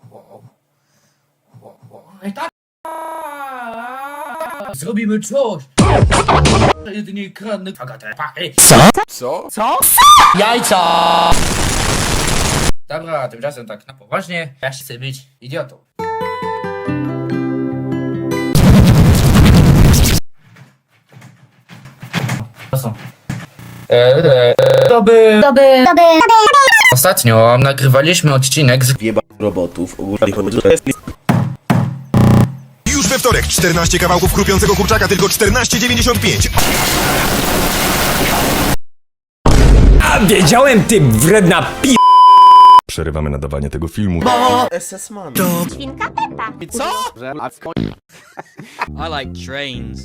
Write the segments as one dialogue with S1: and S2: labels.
S1: I tak. Zrobimy coś. Jedynie kradnę pachy.
S2: Co?
S1: Jajca! Dobra, tymczasem tak na poważnie. Ja chcę być idiotą. To są. To by... Ostatnio nagrywaliśmy odcinek z
S2: Robotów ogólnie chodzi o
S3: Już we wtorek 14 kawałków chrupiącego kurczaka, tylko 14,95.
S4: A wiedziałem, ty wredna pi...
S3: Przerywamy nadawanie tego filmu.
S2: SS Man.
S5: Świnka Peppa.
S6: I like trains.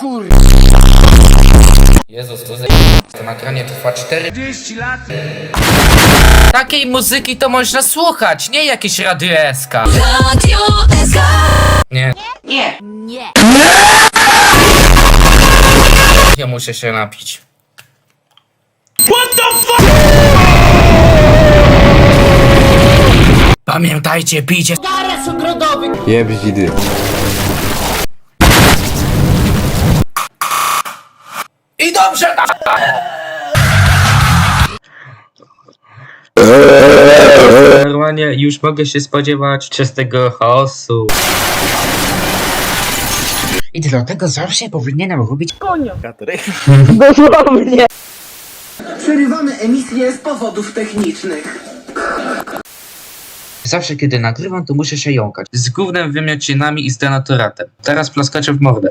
S1: Jezus, to nagranie trwa 40 lat. Takiej muzyki to można słuchać, nie jakieś Radio SK.
S5: Radio SK.
S1: Nie,
S5: Nie.
S1: ja muszę się napić. Pamiętajcie, pijcie
S2: Jeb zidy.
S1: i dobrze! Normalnie już mogę się spodziewać czystego chaosu. I dlatego zawsze powinienem robić
S7: Przerywamy emisję z powodów technicznych.
S1: Zawsze kiedy nagrywam, to muszę się jąkać. Z gównem, wymiocinami i z denaturatem. Teraz plaskacie w mordę.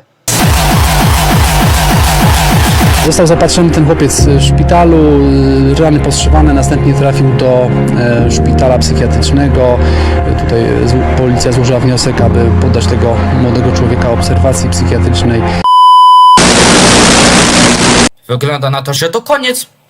S8: Został zapatrzony ten chłopiec w szpitalu, rany postrzywane, następnie trafił do szpitala psychiatrycznego. Tutaj policja złożyła wniosek, aby poddać tego młodego człowieka obserwacji psychiatrycznej.
S1: Wygląda na to, że to koniec.